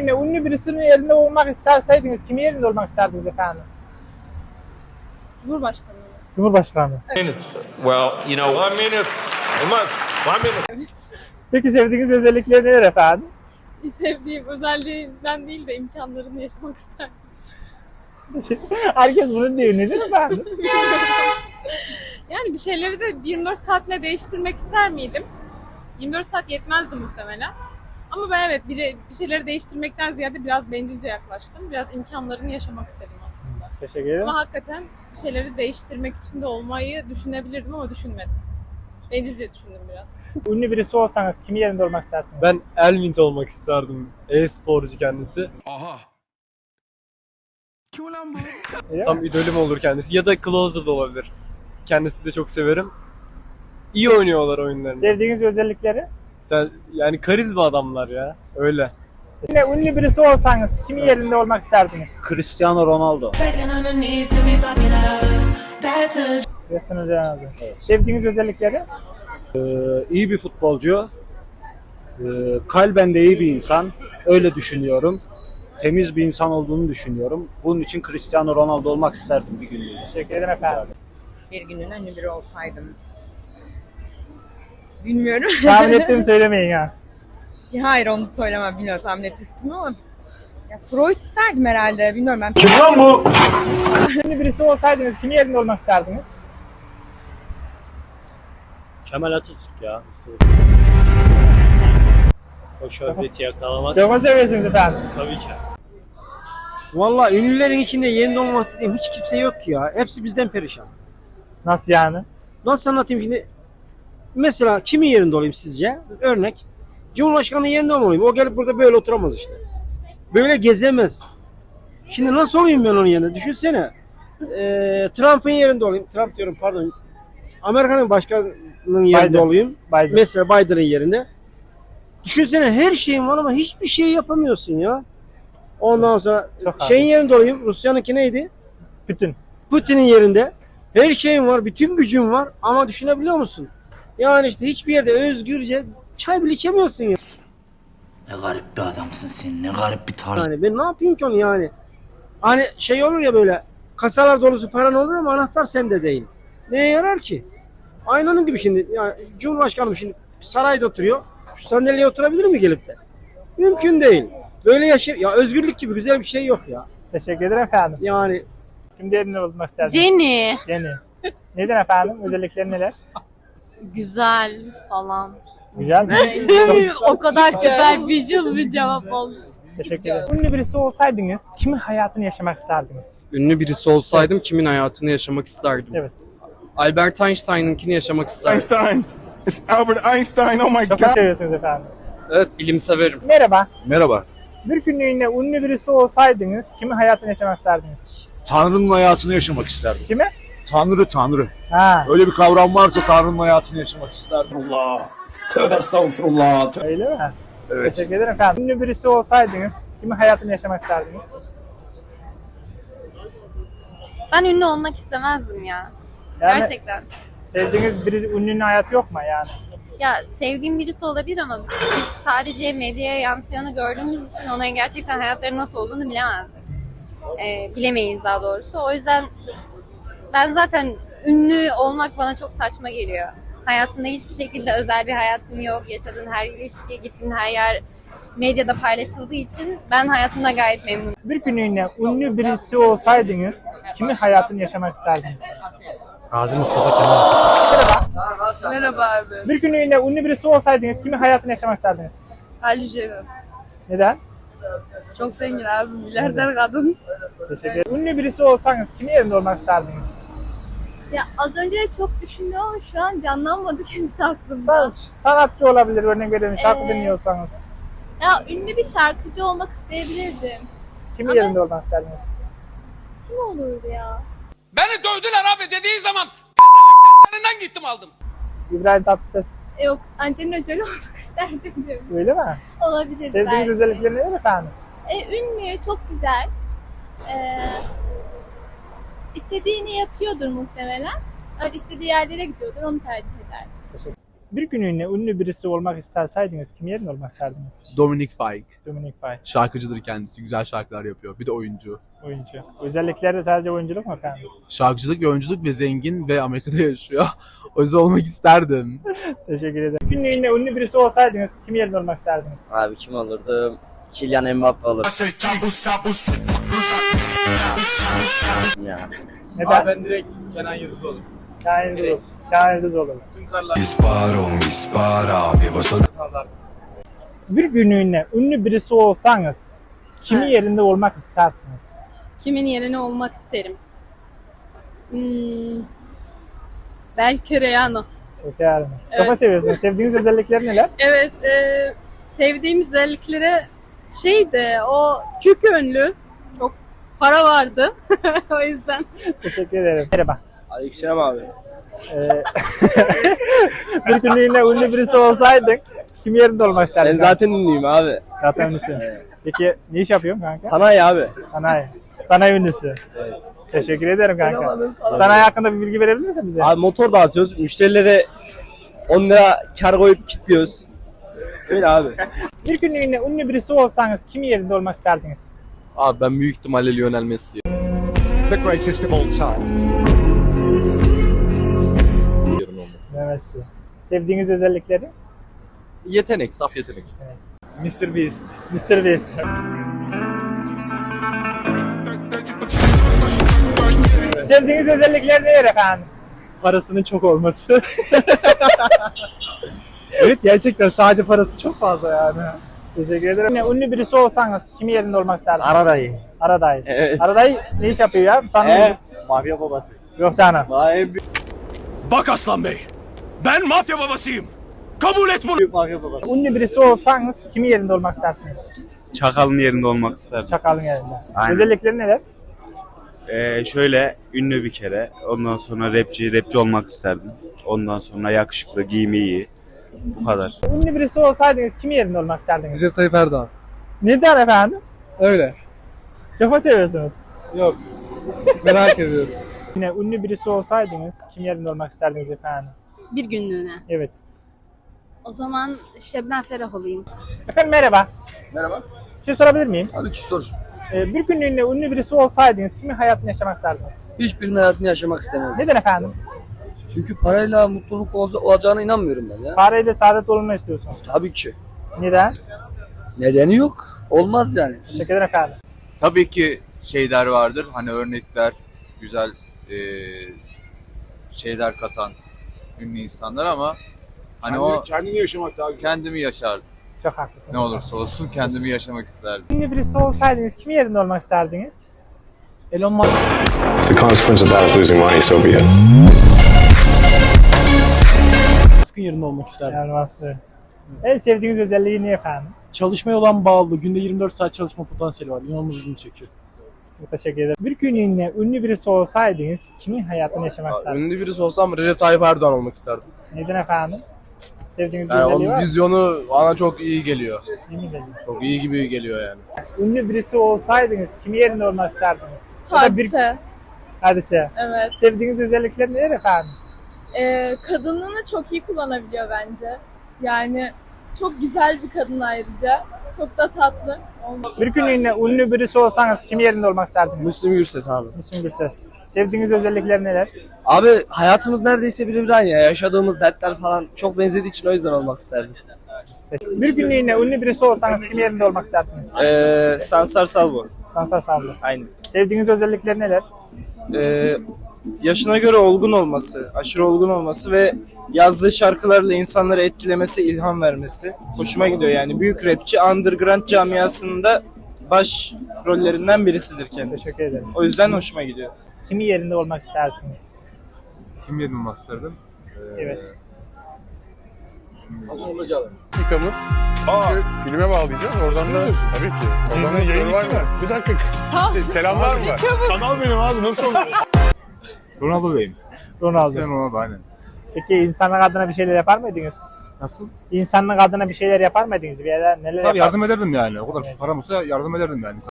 günlüğüne ünlü birisinin yerinde olmak isterseydiniz kimin yerinde olmak isterdiniz efendim? Cumhurbaşkanı. Cumhurbaşkanı. Well, you know, 1 minute. One minute. Evet. Peki sevdiğiniz özellikleri neler efendim? Sevdiğim özelliğinden değil de imkanlarını yaşamak isterdim. Herkes bunu diyor. Nedir efendim? Yani bir şeyleri de 24 saatle değiştirmek ister miydim? 24 saat yetmezdi muhtemelen. Ama ben evet bir şeyleri değiştirmekten ziyade biraz bencilce yaklaştım. Biraz imkanlarını yaşamak istedim aslında. Teşekkür ederim. Ama hakikaten bir şeyleri değiştirmek için de olmayı düşünebilirdim ama düşünmedim. Bencilce düşündüm biraz. Ünlü birisi olsanız kimin yerinde olmak istersiniz? Ben Elvin olmak isterdim. E-sporcu kendisi. Aha. Kim ulan bu? Tam idolüm olur kendisi. Ya da Closer da olabilir. Kendisi de çok severim. İyi oynuyorlar oyunlarını. Sevdiğiniz özellikleri? Sen yani karizma adamlar ya. Öyle. Yine ünlü birisi olsanız kimin yerinde olmak isterdiniz? Cristiano Ronaldo. Yasin Hocam abi. Sevdiğiniz özellikleri? İyi bir futbolcu. Kalben de iyi bir insan. Öyle düşünüyorum. Temiz bir insan olduğunu düşünüyorum. Bunun için Cristiano Ronaldo olmak isterdim bir günlüğüne. Teşekkür ederim efendim. Bir günün ünlü biri olsaydım. Bilmiyorum. Tahmin ettiğimi söylemeyin ya. Hayır onu söylemem. Bilmiyorum tahmin ettiniz mi ama. Ya Freud isterdim herhalde. Bilmiyorum ben. Ünlü birisi olsaydınız kimin yerinde olmak isterdiniz? Kemal Atatürk ya. O şöhreti yakalamak Çok mu seviyorsunuz efendim? tabii ki. Vallahi ünlülerin içinde yerinde olmak dediğim hiç kimse yok ki ya. Hepsi bizden perişan. Nasıl yani? Nasıl anlatayım şimdi? Mesela kimin yerinde olayım sizce? Örnek. Cumhurbaşkanı yerinde mi olayım? O gelip burada böyle oturamaz işte. Böyle gezemez. Şimdi nasıl olayım ben onun yerine? Düşünsene. Trump'ın yerinde olayım. Trump diyorum pardon. Amerika'nın başkanının yerinde Biden. olayım. Biden. Mesela Biden'ın yerinde. Düşünsene her şeyin var ama hiçbir şey yapamıyorsun ya. Ondan sonra Çok şeyin yerinde olayım. Rusya'nınki neydi? Bütün. Putin'in yerinde. Her şeyin var, bütün gücün var ama düşünebiliyor musun? Yani işte hiçbir yerde özgürce çay bile içemiyorsun ya. Ne garip bir adamsın sen, ne garip bir tarz. Yani ben ne yapayım ki onu yani? Hani şey olur ya böyle kasalar dolusu paran olur ama anahtar sende değil. Neye yarar ki? Aynı onun gibi şimdi. Yani Cumhurbaşkanım şimdi sarayda oturuyor. Şu sandalyeye oturabilir mi gelip de? Mümkün değil. Böyle ya özgürlük gibi güzel bir şey yok ya. Teşekkür ederim efendim. Yani Kimin yerinde olmak isterdiniz? Jenny. Jenny. Neden efendim? Özellikleri neler? Güzel falan. Güzel mi? O kadar süper visual bir cevap oldu. Teşekkür ederim. Ünlü birisi olsaydınız kimin hayatını yaşamak isterdiniz? Ünlü birisi olsaydım kimin hayatını yaşamak isterdim? Evet. Albert Einstein'ınkini yaşamak isterdim. Einstein. It's Albert Einstein. Oh my Çok God. mu seviyorsunuz efendim? Evet, bilim severim. Merhaba. Merhaba. Bir günlüğüne ünlü birisi olsaydınız kimin hayatını yaşamak isterdiniz? Tanrı'nın hayatını yaşamak isterdim. Kimi? Tanrı. Ha, Öyle bir kavram varsa Tanrı'nın hayatını yaşamak isterdim. öyle mi? Evet. Teşekkür ederim efendim. Ünlü birisi olsaydınız kimin hayatını yaşamak isterdiniz? Ben ünlü olmak istemezdim ya. Yani Gerçekten. sevdiğiniz birisi ünlünün hayatı yok mu yani? Ya sevdiğim birisi olabilir ama biz sadece medyaya yansıyanı gördüğümüz için onların gerçekten hayatları nasıl olduğunu bilemezdik. Bilemeyiz daha doğrusu. O yüzden ben zaten ünlü olmak bana çok saçma geliyor. Hayatında hiçbir şekilde özel bir hayatın yok. Yaşadığın her ilişki, gittiğin her yer medyada paylaşıldığı için ben hayatımda gayet memnunum. Bir günlüğüne ünlü birisi olsaydınız kimin hayatını yaşamak isterdiniz? Gazi Mustafa Kemal. Merhaba abi. Bir günlüğüne ünlü birisi olsaydınız kimin hayatını yaşamak isterdiniz? Ali Jenner. Neden? Çok zengin abi. Milyarder kadın. Teşekkür ederim. Ünlü birisi olsanız kimin yerinde olmak isterdiniz? Ya az önce de çok düşündüm ama şu an canlanmadı kimse aklımda. Sanatçı olabilir, örnek verelim, şarkı dinliyorsanız. Ya ünlü bir şarkıcı olmak isteyebilirdim. Kimin Ama- yerinde olmak isterdiniz? Kim olurdu ya? Beni dövdüler abi dediği zaman pezevenklerin gittim aldım. İbrahim Tatlıses. Yok, Angelina Jolie olmak isterdim diyorum. Öyle mi? Olabilir Sevdiğiniz belki. özellikleri neler efendim? Ünlü, çok güzel. İstediğini yapıyordur muhtemelen. Öyle istediği yerlere gidiyordur, onu tercih ederdim. Teşekkür Bir günlüğüne ünlü birisi olmak isterseydiniz kim yerinde olmak isterdiniz? Dominic Fike. Dominic Fike, Şarkıcıdır kendisi. Güzel şarkılar yapıyor. Bir de oyuncu. oyuncu. Özellikleri de sadece oyunculuk mu efendim? Şarkıcılık ve oyunculuk ve zengin ve Amerika'da yaşıyor. O yüzden olmak isterdim. Teşekkür ederim. Bir günlüğüne ünlü birisi olsaydınız kim yerinde olmak isterdiniz? Abi kim olurdu? Kylian Mbappe olur. Ya. Neden? Ben direkt Kenan Yıldız olurum. Kaan Yıldız olur. Kaan Yıldız olur. Tüm karlar Bir günlüğüne ünlü birisi olsanız kimin Evet. yerinde olmak istersiniz? Kimin yerine olmak isterim? Belki Rihanna. Peki yani. Evet. Kafa seviyorsunuz. Sevdiğiniz özellikleri neler? Evet, sevdiğim özellikleri o çok ünlü, çok para vardı. O yüzden. Teşekkür ederim. Merhaba. Aleykümselam abi. Bir günlüğüne ünlü birisi olsaydın kim yerinde olmak isterdin? ünlüyüm abi. Zaten ünlüsün. Peki ne iş yapıyorsun kanka? Sanayi abi. Sanayi. Sanayi ünlüsü. Evet. Teşekkür ederim kanka. Sanayi hakkında bir bilgi verebilir misin bize? Abi motor dağıtıyoruz. Müşterilere 10 lira kar koyup kilitliyoruz. Öyle abi. Bir günlüğüne ünlü birisi olsanız kim yerinde olmak isterdiniz? Abi ben büyük ihtimalle Lionel Messi. The greatest of all time. Messi. Sevdiğiniz özellikleri? Yetenek, saf yetenek. Mr. Beast. Mr. Beast. Sevdiğiniz özellikler neler efendim? Parasının çok olması. Evet gerçekten sadece parası çok fazla yani. Teşekkür ederim. Ünlü birisi olsanız kimin yerinde olmak isterdiniz? Aradayı. Aradayı. Evet. Aradayı ne iş yapıyor ya? Tanımıyorum. Mafya babası. Yok canım. Bak Aslan Bey. Ben mafya babasıyım. Kabul et bunu. Mafya babası. Ünlü birisi olsanız kimin yerinde olmak istersiniz? Çakal'ın yerinde olmak isterdim. Çakalın yerinde. Aynen. Özellikleri neler? Şöyle ünlü bir kere. Ondan sonra rapçi olmak isterdim. Ondan sonra yakışıklı, giyimi iyi. Bu kadar. Ünlü birisi olsaydınız kimin yerinde olmak isterdiniz? Recep Tayyip Erdoğan. Neden efendim? Öyle. Kafa seviyorsunuz. Yok. Merak ediyorum. Yine ünlü birisi olsaydınız kim yerinde olmak isterdiniz efendim? Bir günlüğüne. Evet. O zaman Şebnem Ferah olayım. Efendim merhaba. Merhaba. Bir şey sorabilir miyim? Abi ki sor. Bir günlüğüne ünlü birisi olsaydınız kimin hayatını yaşamak isterdiniz? Hiçbirinin hayatını yaşamak istemezdim. Neden efendim? Çünkü parayla mutluluk olacağına inanmıyorum ben ya. Parayla saadet olunma istiyorsun. Tabii ki. Neden? Nedeni yok. Olmaz yani. Teşekkür ederim efendim. Tabii ki şeyler vardır. Hani örnekler, güzel şeyler katan ünlü insanlar ama hani Kendini yaşamak daha güzel. kendimi yaşardım. Çok haklısınız. Ne olursa olsun kendimi yaşamak isterdim. Ünlü birisi olsaydınız kimin yerinde olmak isterdiniz? Elon Musk. The consequence of that is losing money, so be it. Musk'ın yerinde olmak isterdim. Elon Musk. En sevdiğiniz özelliği ne efendim? Çalışmaya olan bağlı. Günde 24 saat çalışma potansiyeli var. İnanılmaz ilgimi çekiyor. Çok teşekkür ederim. Bir günlüğüne ünlü birisi olsaydınız kimin hayatını yaşamak isterdiniz? Ünlü birisi olsam Recep Tayyip Erdoğan olmak isterdim. Neden efendim? Sevdiğiniz bir Yani özelliği onun var mı? vizyonu bana çok iyi geliyor. Değil mi geliyor? Çok iyi gibi geliyor yani. Ünlü birisi olsaydınız kimin yerinde olmak isterdiniz? Ya da Hadise. Hadise. Evet. Sevdiğiniz özellikler neler efendim? Kadınlığını çok iyi kullanabiliyor bence. Yani çok güzel bir kadın ayrıca. Çok da tatlı. Bir günlüğüne ünlü birisi olsanız kimin yerinde olmak isterdiniz? Müslüm Gürses abi. Müslüm Gürses. Sevdiğiniz özellikler neler? Abi hayatımız neredeyse birebir aynı ya. Yaşadığımız dertler falan çok benzediği için o yüzden olmak isterdim. Bir günlüğüne ünlü birisi olsanız kimin yerinde olmak isterdiniz? Sansar Salvo. Sansar Sabri. Aynen. Sevdiğiniz özellikler neler? Yaşına göre olgun olması, aşırı olgun olması ve yazdığı şarkılarla insanları etkilemesi, ilham vermesi. Hoşuma gidiyor yani. Büyük rapçi, underground camiasında baş rollerinden birisidir kendisi. Teşekkür ederim. O yüzden hoşuma gidiyor. Kimin yerinde olmak istersiniz? Kim yerine olmak isterdim? Evet. Dakikamız. Filme bağlayacağız. Oradan da tabii ki. Oradan da yayın var mı? Bir dakika. Selamlar mı? Kanal benim abi. Nasıl olur? Ronaldo Bey'im. Ronaldo. Ronaldo aynen. Peki insanlık adına bir şeyler yapar mıydınız? Nasıl? İnsanlık adına bir şeyler yapar mıydınız? Bir yerler neler Tabii yapar? yardım ederdim yani. O kadar param olsa yardım ederdim yani.